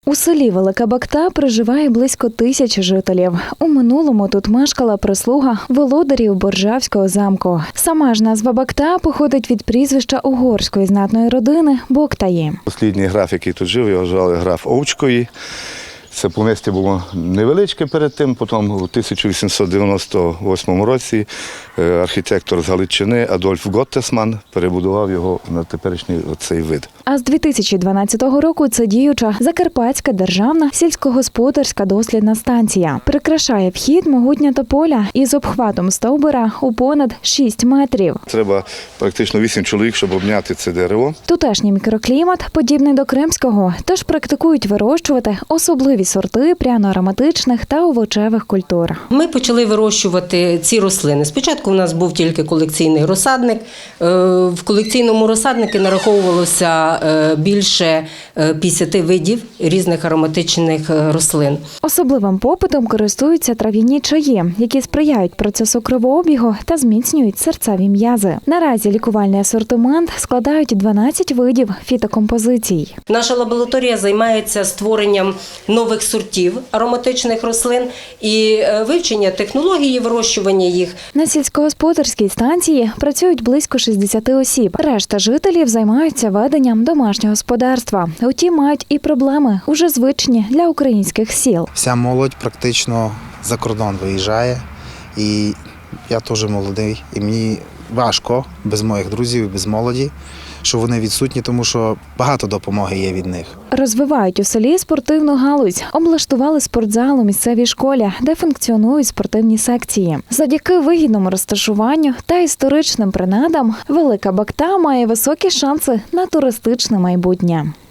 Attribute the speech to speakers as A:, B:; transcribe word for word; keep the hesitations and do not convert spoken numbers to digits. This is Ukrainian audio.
A: У селі Велика Бакта проживає близько тисячі жителів. У минулому тут мешкала прислуга володарів Боржавського замку. Сама ж назва Бакта походить від прізвища угорської знатної родини Боктаї.
B: Останній граф, який тут жив, його звали граф Овчкої. Це помістя було невеличке перед тим, потім у тисяча вісімсот дев'яносто восьмому році архітектор з Галичини Адольф Готтесман перебудував його на теперішній цей вид.
A: А з дві тисячі дванадцятого року це діюча Закарпатська державна сільськогосподарська дослідна станція. Прикрашає вхід могутня тополя із обхватом стовбура у понад шість метрів.
B: Треба практично вісім чоловік, щоб обняти це дерево.
A: Тутешній мікроклімат подібний до кримського, тож практикують вирощувати особливі сорти пряно-ароматичних та овочевих культур.
C: Ми почали вирощувати ці рослини. Спочатку у нас був тільки колекційний розсадник. В колекційному розсаднику нараховувалося більше п'ятдесят видів різних ароматичних рослин.
A: Особливим попитом користуються трав'яні чаї, які сприяють процесу кровообігу та зміцнюють серцеві м'язи. Наразі лікувальний асортимент складають дванадцять видів фітокомпозицій.
C: Наша лабораторія займається створенням нових сортів ароматичних рослин і вивчення технології вирощування їх.
A: На сільськогосподарській станції працюють близько шістдесят осіб. Решта жителів займаються веденням домашнього господарства. Утім, мають і проблеми, уже звичні для українських сіл.
D: Вся молодь практично за кордон виїжджає, і я теж молодий, і мені важко без моїх друзів, без молоді, що вони відсутні, тому що багато допомоги є від них.
A: Розвивають у селі спортивну галузь. Облаштували спортзал у місцевій школі, де функціонують спортивні секції. Завдяки вигідному розташуванню та історичним принадам Велика Бакта має високі шанси на туристичне майбутнє.